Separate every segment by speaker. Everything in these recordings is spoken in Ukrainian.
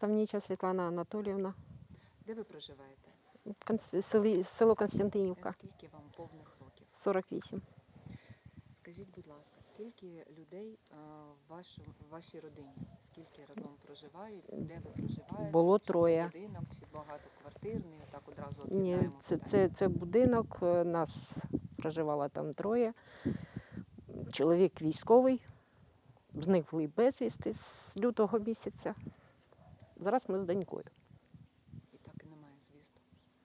Speaker 1: Ставніча Світлана Анатоліївна,
Speaker 2: Де ви проживаєте?
Speaker 1: село Константинівка,
Speaker 2: Скільки вам повних років?
Speaker 1: 48.
Speaker 2: Скажіть, будь ласка, скільки людей в вашій родині? Скільки разом проживають? Де ви проживаєте?
Speaker 1: Було
Speaker 2: Чи
Speaker 1: 3.
Speaker 2: це будинок, чи багатоквартирний? Так одразу
Speaker 1: Ні,
Speaker 2: об'єднаємо
Speaker 1: це,
Speaker 2: питання.
Speaker 1: це, це будинок, нас проживало там 3. Чоловік військовий, зниклий безвісти з лютого місяця. Зараз ми з донькою.
Speaker 2: І так і немає звісту.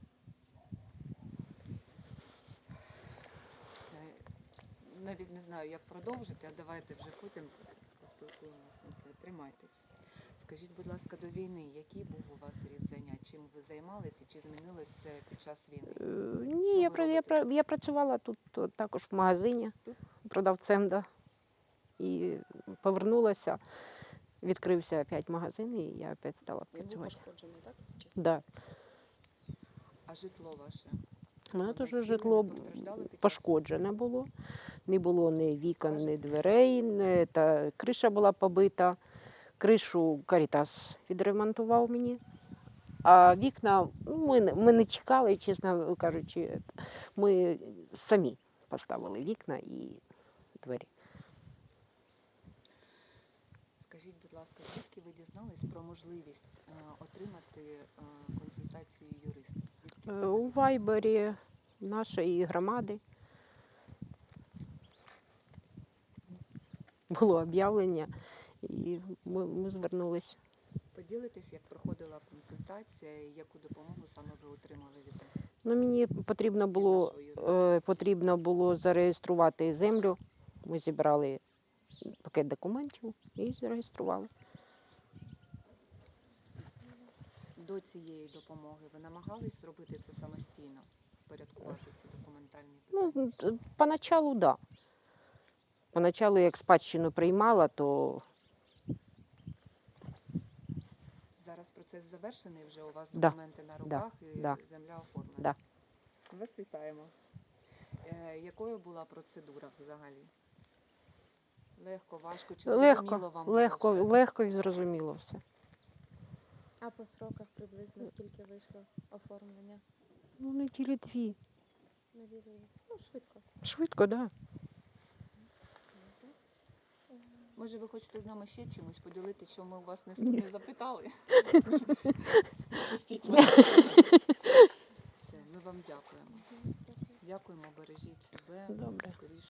Speaker 2: Навіть не знаю, як продовжити, а давайте вже потім поспілкуємося на це. Тримайтесь. Скажіть, будь ласка, до війни, який був у вас рід занять? Чим ви займалися? Чи змінилось це під час війни?
Speaker 1: Ні,
Speaker 2: Що ви робите?
Speaker 1: я працювала тут також в магазині,
Speaker 2: Тут?
Speaker 1: продавцем, да. І повернулася, відкрився опять магазин, і я опять стала
Speaker 2: Він був
Speaker 1: працювати.
Speaker 2: пошкоджений, так?
Speaker 1: Да.
Speaker 2: А житло ваше?
Speaker 1: У мене
Speaker 2: Воно
Speaker 1: теж
Speaker 2: ціле,
Speaker 1: житло
Speaker 2: не постраждало під час?
Speaker 1: пошкоджене було. Не було ні вікон,
Speaker 2: Скажете?
Speaker 1: ні дверей, та криша була побита. Кришу Карітас відремонтував мені. А вікна ми не чекали, чесно кажучи. Ми самі поставили вікна і двері.
Speaker 2: Скажіть, будь ласка, звідки ви дізнались про можливість отримати консультацію юриста? Звідки
Speaker 1: У
Speaker 2: взагалі?
Speaker 1: Вайбері нашої громади було об'явлення, і ми звернулися.
Speaker 2: Поділитесь, як проходила консультація і яку допомогу саме ви отримали від нас?
Speaker 1: Ну, мені потрібно було зареєструвати землю. Ми зібрали пакет документів і зареєстрували.
Speaker 2: До цієї допомоги ви намагались зробити це самостійно, впорядкувати ці документальні питання?
Speaker 1: Ну, поначалу, так. Да. Поначалу, як спадщину приймала, то
Speaker 2: Зараз процес завершений, вже у вас
Speaker 1: Да,
Speaker 2: документи на руках і
Speaker 1: да.
Speaker 2: земля оформлена?
Speaker 1: Да.
Speaker 2: Вас вітаємо. Якою була процедура взагалі? Легко, важко чи зрозуміло вам було все?
Speaker 1: легко і зрозуміло все.
Speaker 3: А по сроках приблизно скільки вийшло оформлення?
Speaker 1: Ну, неділі 2.
Speaker 3: Ну, швидко.
Speaker 1: Швидко, так. Да.
Speaker 2: Може, ви хочете з нами ще чимось поділити, що ми у вас не запитали? Пустіть мене. Все, ми вам дякуємо. Дякуємо, бережіть себе.
Speaker 1: Добре.
Speaker 2: Скоріше